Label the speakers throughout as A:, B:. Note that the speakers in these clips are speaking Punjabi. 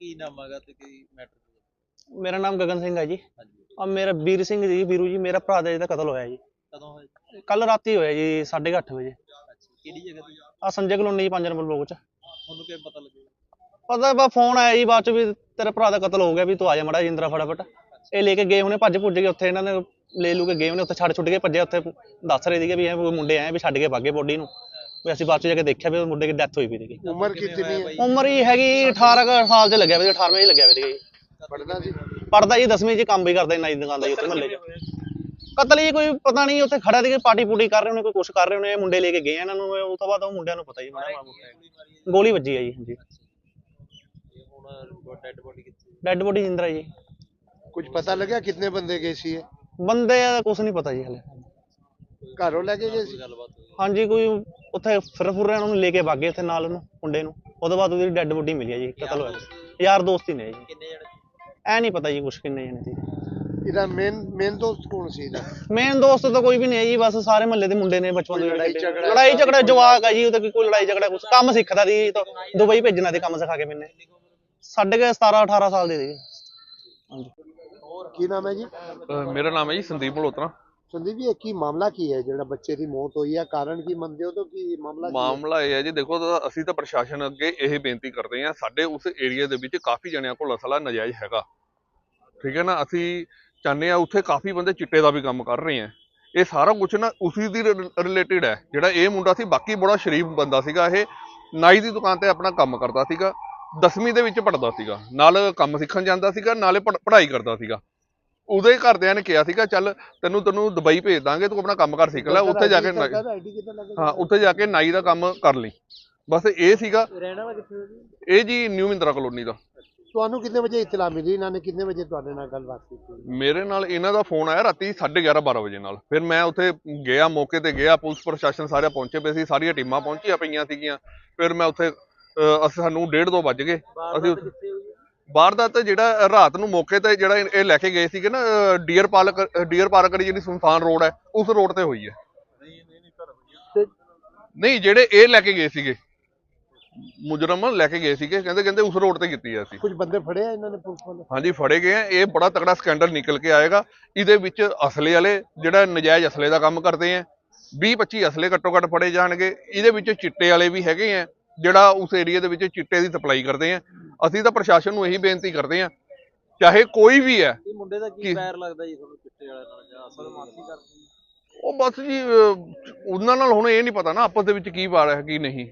A: ਕੀ ਨਾਮ ਹੈਗਾ ਤੇ ਕੀ ਮੈਟਰ?
B: ਮੇਰਾ ਨਾਮ ਗਗਨ ਸਿੰਘ ਹੈ ਜੀ।
A: ਹਾਂਜੀ।
B: ਔਰ ਮੇਰਾ ਵੀਰ ਸਿੰਘ ਜੀ, ਵੀਰੂ ਜੀ, ਮੇਰਾ ਭਰਾ ਦਾ ਜਿਹਦਾ ਕਤਲ ਹੋਇਆ ਜੀ
A: ਕਦੋਂ ਹੋਇਆ?
B: ਕੱਲ ਰਾਤੀ ਹੋਇਆ ਜੀ 8:30 ਵਜੇ।
A: ਅੱਛਾ, ਕਿਹੜੀ ਜਗ੍ਹਾ ਤੇ?
B: ਆ ਸੰਜੇ ਕਲੋਨੀ 5 ਨੰਬਰ ਬਲੋਕ ਚ।
A: ਤੁਹਾਨੂੰ ਕਿਵੇਂ ਪਤਾ ਲੱਗਿਆ?
B: ਪਤਾ ਬਾ ਫੋਨ ਆਇਆ ਜੀ ਬਾਅਦ ਚ ਵੀ ਤੇਰੇ ਭਰਾ ਦਾ ਕਤਲ ਹੋ ਗਿਆ, ਵੀ ਤੂੰ ਆ ਜਾ ਮੜਾ ਜਿੰਦਰਾ ਫਟਾਫਟ। ਇਹ ਲੈ ਕੇ ਗਏ ਹੁਣੇ, ਭੱਜ ਭੁੱਜ ਕੇ ਉੱਥੇ ਇਹਨਾਂ ਨੇ ਲੈ ਲੂ ਕੇ ਗਏ ਉਹਨੇ, ਉੱਥੇ ਛੱਡ ਛੁੱਟ ਕੇ ਭੱਜੇ। ਉੱਥੇ ਦੱਸ ਰਹੇ ਸੀਗੇ ਵੀ ਇਹ ਮੁੰਡੇ ਆਏ ਵੀ ਛੱਡ ਕੇ ਭਾਗੇ ਬੋਡੀ ਨੂੰ, ਵੀ ਅਸੀਂ ਬਾਅਦ ਚ ਜਾ ਕੇ ਦੇਖਿਆ ਵੀ ਉਹ ਮੁੰਡੇ ਦੀ ਡੈਥ ਹੋਈ ਪਈ ਸੀਗੀ।
C: ਉਮਰ ਕਿੰਨੀ ਹੈ?
B: ਉਮਰ ਹੀ ਹੈਗੀ 18 ਸਾਲ ਚ ਲੱਗਿਆ ਵੀ, 18ਵੇਂ ਚ ਲੱਗਿਆ ਵੀ ਸੀਗਾ ਜੀ।
C: ਪੜਦਾ ਸੀ?
B: ਪੜਦਾ ਜੀ 10ਵੀਂ ਚ, ਕੰਮ ਵੀ ਕਰਦਾ ਨਾਈ ਦੁਕਾਨ ਦਾ ਜੀ ਉੱਥੇ ਮਹੱਲੇ ਚ। ਕਤਲ ਹੀ ਕੋਈ ਪਤਾ ਨਹੀਂ, ਉੱਥੇ ਖੜਾ ਸੀ ਪਾਰਟੀ ਪੂਟੀ ਕਰ ਰਹੇ ਹੋਣੇ, ਕੋਈ ਕੁਛ ਕਰ ਰਹੇ ਹੋਣੇ, ਮੁੰਡੇ ਲੈ ਕੇ ਗਏ ਇਹਨਾਂ ਨੂੰ। ਉਸ ਤੋਂ ਬਾਅਦ ਉਹ ਮੁੰਡਿਆਂ ਨੂੰ ਪਤਾ ਜੀ ਗੋਲੀ ਵੱਜੀ ਹੈ ਜੀ। ਹਾਂਜੀ। ਡੈਡ ਬੋਡੀ ਜਿੰਦਰਾ ਜੀ।
C: ਕੁਝ ਪਤਾ ਲੱਗਿਆ ਕਿੰਨੇ ਬੰਦੇ ਗਏ ਸੀ?
B: ਬੰਦੇ ਦਾ ਕੁਛ ਨਹੀਂ ਪਤਾ ਜੀ ਹਲੇ।
C: ਘਰੋਂ ਲੈ ਕੇ ਗਏ ਸੀ?
B: ਹਾਂਜੀ, ਕੋਈ ਉੱਥੇ ਫਿਰ ਰਹੇ ਉਹਨੂੰ ਲੈ ਕੇ ਭਾਗੇ ਉੱਥੇ ਨਾਲ ਉਹਨੂੰ ਮੁੰਡੇ ਨੂੰ। ਉਹਦੇ ਬਾਅਦ ਉਹਦੀ ਡੈਡ ਬੋਡੀ ਮਿਲੀ ਹੈ ਜੀ। ਕਤਲ ਹੋਇਆ ਯਾਰ ਦੋਸਤ ਹੀ ਨੇ ਜੀ। ਐ ਨਹੀਂ ਪਤਾ ਜੀ ਕੁਛ ਕਿੰਨੇ ਜਣੇ ਸੀ।
C: ਇਹਦਾ ਮੇਨ ਦੋਸਤ ਕੌਣ ਸੀ ਇਹਦਾ?
B: ਮੇਨ ਦੋਸਤ ਤਾਂ ਕੋਈ ਵੀ ਨਹੀਂ ਹੈ ਜੀ, ਬਸ ਸਾਰੇ ਮਹੱਲੇ ਦੇ ਮੁੰਡੇ ਨੇ ਬਚਪਨ ਦੇ। ਲੜਾਈ ਝਗੜਾ ਜਵਾਕ ਹੈ ਜੀ, ਉਹ ਤਾਂ ਕੋਈ ਲੜਾਈ ਝਗੜਾ ਕੁਛ ਕੰਮ ਸਿੱਖਦਾ ਸੀ, ਦੁਬਈ ਭੇਜਣਾ ਤੇ ਕੰਮ ਸਿਖਾ ਕੇ ਮੈਨੇ। ਸਾਡੇ ਕੇ 17-18 ਸਾਲ ਦੇ ਸੀਗੇ। ਹਾਂਜੀ।
C: ਕੀ ਨਾਮ ਹੈ ਜੀ?
D: ਮੇਰਾ ਨਾਮ ਹੈ ਜੀ ਸੰਦੀਪ ਮਲਹੋਤਰਾ।
C: ਸੰਦੀਪ ਜੀ, ਕੀ ਮਾਮਲਾ ਕੀ ਹੈ ਜਿਹੜਾ ਬੱਚੇ ਦੀ ਮੌਤ ਹੋਈ ਹੈ? ਕਾਰਨ ਕੀ ਮੰਨਦੇ ਹੋ? ਤਾਂ ਕੀ
D: ਮਾਮਲਾ ਇਹ ਹੈ ਜੀ, ਦੇਖੋ ਅਸੀਂ ਤਾਂ ਪ੍ਰਸ਼ਾਸਨ ਅੱਗੇ ਇਹ ਬੇਨਤੀ ਕਰਦੇ ਹਾਂ, ਸਾਡੇ ਉਸ ਏਰੀਆ ਦੇ ਵਿੱਚ ਕਾਫੀ ਜਣਿਆਂ ਕੋਲ ਅਸਲਾ ਨਜਾਇਜ਼ ਹੈਗਾ, ਠੀਕ ਹੈ ਨਾ। ਅਸੀਂ ਚਾਹੁੰਦੇ ਹਾਂ, ਉੱਥੇ ਕਾਫੀ ਬੰਦੇ ਚਿੱਟੇ ਦਾ ਵੀ ਕੰਮ ਕਰ ਰਹੇ ਆ। ਇਹ ਸਾਰਾ ਕੁਛ ਨਾ ਉਸੇ ਦੀ ਰਿਲੇਟਿਡ ਹੈ। ਜਿਹੜਾ ਇਹ ਮੁੰਡਾ ਸੀ, ਬਾਕੀ ਬੜਾ ਸ਼ਰੀਫ ਬੰਦਾ ਸੀਗਾ। ਇਹ ਨਾਈ ਦੀ ਦੁਕਾਨ ਤੇ ਆਪਣਾ ਕੰਮ ਕਰਦਾ ਸੀਗਾ, 10ਵੀਂ ਦੇ ਵਿੱਚ ਪੜ੍ਹਦਾ ਸੀਗਾ, ਨਾਲ ਕੰਮ ਸਿੱਖਣ ਜਾਂਦਾ ਸੀਗਾ, ਨਾਲੇ ਪੜ੍ਹਾਈ ਕਰਦਾ ਸੀਗਾ। ਉਹਦੇ ਘਰਦਿਆਂ ਨੇ ਕਿਹਾ ਸੀਗਾ ਚੱਲ ਤੈਨੂੰ ਦੁਬਈ ਭੇਜ ਦਾਂਗੇ, ਤੂੰ ਆਪਣਾ ਕੰਮ ਕਰ ਸਿੱਖ ਲੈ, ਉੱਥੇ ਜਾ ਕੇ ਉੱਥੇ ਜਾ ਕੇ ਨਾਈ ਦਾ ਕੰਮ ਕਰ ਲਈ। ਬਸ ਇਹ ਸੀਗਾ। ਇਹ ਜੀ ਨਿਊ ਮਿੰਦਰਾ ਕਲੋਨੀ ਦਾ।
C: ਤੁਹਾਨੂੰ ਕਿੰਨੇ ਵਜੇ ਇਤਲਾ ਮਿਲੀ? ਇਹਨਾਂ ਨੇ ਕਿੰਨੇ ਵਜੇ ਤੁਹਾਡੇ ਨਾਲ ਗੱਲਬਾਤ ਕੀਤੀ?
D: ਮੇਰੇ ਨਾਲ ਇਹਨਾਂ ਦਾ ਫੋਨ ਆਇਆ ਰਾਤੀ 11:30-12 ਵਜੇ ਨਾਲ। ਫਿਰ ਮੈਂ ਉੱਥੇ ਗਿਆ, ਮੌਕੇ ਤੇ ਗਿਆ, ਪੁਲਿਸ ਪ੍ਰਸ਼ਾਸਨ ਸਾਰੇ ਪਹੁੰਚੇ ਪਏ ਸੀ, ਸਾਰੀਆਂ ਟੀਮਾਂ ਪਹੁੰਚੀਆਂ ਪਈਆਂ ਸੀਗੀਆਂ। ਫਿਰ ਮੈਂ ਉੱਥੇ ਸਾਨੂੰ 1:30-2 ਵੱਜ ਗਏ। ਅਸੀਂ ਵਾਰਦਾਤ ਜਿਹੜਾ ਰਾਤ ਨੂੰ ਮੌਕੇ ਤੇ ਜਿਹੜਾ ਇਹ ਲੈ ਕੇ ਗਏ ਸੀਗੇ ਨਾ, ਡੀਅਰ ਪਾਰਕ ਜਿਹੜੀ ਸੁਨਸਾਨ ਰੋਡ ਹੈ, ਉਸ ਰੋਡ ਤੇ ਹੋਈ ਹੈ। ਨਹੀਂ, ਜਿਹੜੇ ਇਹ ਲੈ ਕੇ ਗਏ ਸੀਗੇ, ਮੁਜਰਮ ਲੈ ਕੇ ਗਏ ਸੀਗੇ, ਕਹਿੰਦੇ ਉਸ ਰੋਡ ਤੇ ਕੀਤੀ ਹੈ। ਅਸੀਂ
C: ਕੁਝ ਬੰਦੇ ਫੜੇ ਆ ਇਹਨਾਂ ਨੇ, ਪੁਲਿਸ ਵਾਲੇ?
D: ਹਾਂਜੀ, ਫੜੇ ਗਏ ਆ। ਇਹ ਬੜਾ ਤਕੜਾ ਸਕੈਂਡਲ ਨਿਕਲ ਕੇ ਆਏਗਾ। ਇਹਦੇ ਵਿੱਚ ਅਸਲੇ ਵਾਲੇ ਜਿਹੜਾ ਨਜਾਇਜ਼ ਅਸਲੇ ਦਾ ਕੰਮ ਕਰਦੇ ਆ, 20-25 ਅਸਲੇ ਘੱਟੋ ਘੱਟ ਫੜੇ ਜਾਣਗੇ। ਇਹਦੇ ਵਿੱਚ ਚਿੱਟੇ ਵਾਲੇ ਵੀ ਹੈਗੇ ਆ, ਜਿਹੜਾ ਉਸ ਏਰੀਆ ਦੇ ਵਿੱਚ ਚਿੱਟੇ ਦੀ ਸਪਲਾਈ ਕਰਦੇ ਆ। ਅਸੀਂ ਤਾਂ ਪ੍ਰਸ਼ਾਸਨ ਨੂੰ ਇਹੀ ਬੇਨਤੀ ਕਰਦੇ ਆ, ਚਾਹੇ ਕੋਈ ਵੀ ਹੈ।
A: ਇਹ ਮੁੰਡੇ ਦਾ ਕੀ ਪੈਰ ਲੱਗਦਾ ਜੀ ਤੁਹਾਨੂੰ ਚਿੱਟੇ ਵਾਲੇ ਨਾਲ, ਜਾਂ ਅਸਲ ਮਾਫੀ ਕਰਦੀ?
D: ਉਹ ਬਸ ਜੀ ਉਹਨਾਂ ਨਾਲ ਹੁਣ ਇਹ ਨਹੀਂ ਪਤਾ ਨਾ ਆਪਸ ਦੇ ਵਿੱਚ ਕੀ ਵਾਰ ਹੈ ਕੀ ਨਹੀਂ।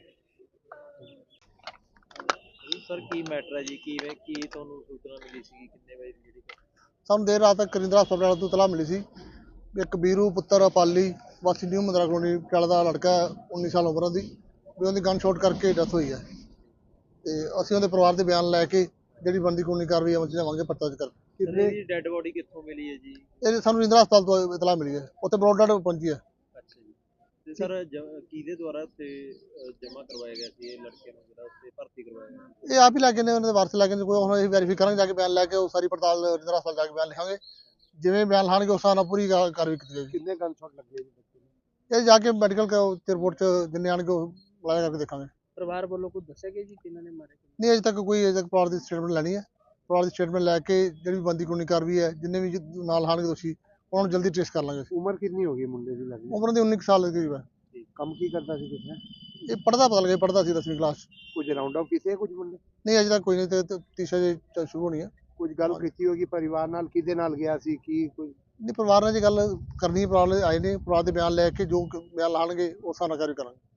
A: ਸਰ ਕੀ ਮੈਟਰ ਹੈ ਜੀ? ਕੀ ਤੁਹਾਨੂੰ ਸੂਚਨਾ ਮਿਲੀ ਸੀ? ਕਿੰਨੇ ਵਜੇ ਦੀ ਜਿਹੜੀ
E: ਸਾਨੂੰ ਦੇਰ ਰਾਤ ਤੱਕ ਕਰਿੰਦਰਾ ਹਸਪਤਾਲ ਤੋਂ ਇਤਲਾਹ ਮਿਲੀ ਸੀ ਵੀ ਇੱਕ ਵੀਰੂ ਪੁੱਤਰ ਪਾਲੀ ਵਾਸੀ ਨਿਊ ਮੰਦਰਾ ਕਲੋਨੀ ਪਟਿਆਲਾ ਦਾ ਲੜਕਾ 19 ਸਾਲ ਉਮਰ ਦੀ, ਵੀ ਉਹਦੀ ਗਨ ਸ਼ਾਟ ਕਰਕੇ ਡੈਥ ਹੋਈ ਹੈ। ਤੇ ਅਸੀਂ ਉਹਦੇ ਪਰਿਵਾਰ ਦੇ ਬਿਆਨ ਲੈ ਕੇ ਜਿਹੜੀ ਬਣਦੀ ਕਾਨੂੰਨੀ ਕਾਰਵਾਈ ਅਮਲ ਚ ਲਿਆਵਾਂਗੇ। ਪਰਚਾ ਦਰਜ ਕਰਕੇ।
A: ਇਹਦੀ ਡੈਡ ਬੋਡੀ ਕਿੱਥੋਂ ਮਿਲੀ ਹੈ ਜੀ?
E: ਇਹ ਸਾਨੂੰ ਕਰਿੰਦਰਾ ਹਸਪਤਾਲ ਤੋਂ ਇਤਲਾਹ ਮਿਲੀ ਹੈ, ਉੱਥੇ ਬਰੋਡਡ ਪਹੁੰਚੀ ਹੈ।
A: ਅੱਛਾ ਜੀ। ਤੇ ਸਰ ਕਿਹਦੇ ਦੁਆਰਾ ਉੱਥੇ ਜਮ੍ਹਾਂ ਕਰਵਾਇਆ ਗਿਆ ਸੀ ਇਹ ਲੜਕੇ ਨੂੰ, ਜਿਹੜਾ ਉੱਥੇ ਭਰਤੀ ਕਰਵਾਇਆ ਗਿਆ?
E: ਇਹ ਆਪ ਹੀ ਲੈ ਕੇ ਨੇ, ਉਹਨਾਂ ਦੇ ਵਾਰਸ ਲੈ ਕੇ ਨੇ। ਕੋਈ ਹੁਣ ਅਸੀਂ ਵੈਰੀਫਾਈ ਕਰਾਂਗੇ, ਜਾ ਕੇ ਬਿਆਨ ਲੈ ਕੇ ਉਹ ਸਾਰੀ ਪੜਤਾਲ ਕਰਿੰਦਰਾ ਹਸਪਤਾਲ ਜਾ ਕੇ ਬਿਆਨ ਲਿਖਾਂਗੇ। ਜਿਵੇਂ ਬਿਆਨ ਲਾਣਗੇ ਉਸ ਹਿਸਾਬ ਨਾਲ ਪੂਰੀ ਕਾਰਵਾਈ ਕੀਤੀ ਜਾਏਗੀ।
C: ਕਿੰਨੇ ਗਨ ਸ਼ਾਟ ਲੱਗੇ ਜੀ?
E: ਇਹ ਜਾ ਕੇ ਮੈਡੀਕਲ ਤੇ ਰਿਪੋਰਟ ਚ ਜਿੰਨੇ ਆਣਗੇ ਉਹ ਲਾਇਆ ਕਰਕੇ ਦੇਖਾਂਗੇ।
A: ਪਰਿਵਾਰ ਵੱਲੋਂ ਕੁਝ ਦੱਸਿਆ ਗਿਆ ਜੀ ਕਿਹਨਾਂ ਨੇ ਮਾਰੇ?
E: ਨਹੀਂ, ਅਜੇ ਤੱਕ ਪਰਿਵਾਰ ਦੀ ਸਟੇਟਮੈਂਟ ਲੈਣੀ ਹੈ। ਪਰਿਵਾਰ ਦੀ ਸਟੇਟਮੈਂਟ ਲੈ ਕੇ ਜਿਹੜੀ ਬਣਦੀ ਕਾਨੂੰਨੀ ਕਾਰਵਾਈ ਹੈ, ਜਿੰਨੇ ਵੀ ਨਾਲ ਆਣਗੇ ਦੋਸ਼ੀ, ਉਹਨਾਂ ਨੂੰ ਜਲਦੀ ਟ੍ਰੇਸ ਕਰ ਲਾਂਗੇ।
C: ਉਮਰ ਕਿੰਨੀ ਹੋ ਗਈ ਮੁੰਡੇ ਦੀ? ਲੱਗੀ
E: ਉਮਰ ਦੀ 19 ਸਾਲ ਦੀ ਕਰੀਬ ਹੈ।
C: ਕੰਮ ਕੀ ਕਰਦਾ ਸੀ ਕੁਝ?
E: ਇਹ ਪੜ੍ਹਦਾ ਪਤਾ ਲੱਗਿਆ, ਪੜ੍ਹਦਾ ਸੀ 10ਵੀਂ ਕਲਾਸ।
C: ਕੁਝ ਰਾਉਂਡ ਅਪ ਕੀਤੇ ਕੁਝ ਮੁੰਡੇ?
E: ਨਹੀਂ, ਅਜੇ ਤੱਕ ਕੋਈ ਨਹੀਂ। ਤੇ ਤੀਸਰਾ ਜੇ ਸ਼ੁਰੂ ਹੋਣੀ ਹੈ।
C: ਕੁਝ ਗੱਲ ਕੀਤੀ ਹੋਗੀ ਪਰਿਵਾਰ ਨਾਲ? ਕਿਹਦੇ ਨਾਲ ਗਿਆ ਸੀ? ਕੀ ਕੋਈ
E: ਨਹੀਂ, ਪਰਿਵਾਰ ਨਾਲ ਜੇ ਗੱਲ ਕਰਨੀ, ਪਰਿਵਾਰ ਆਏ ਨੇ, ਪਰਿਵਾਰ ਦੇ ਬਿਆਨ ਲੈ ਕੇ ਜੋ ਬਿਆਨ ਲਾਣਗੇ ਉਸ ਹਿਸਾਬ ਨਾਲ ਕਾਰਵਾਈ ਕਰਾਂਗੇ।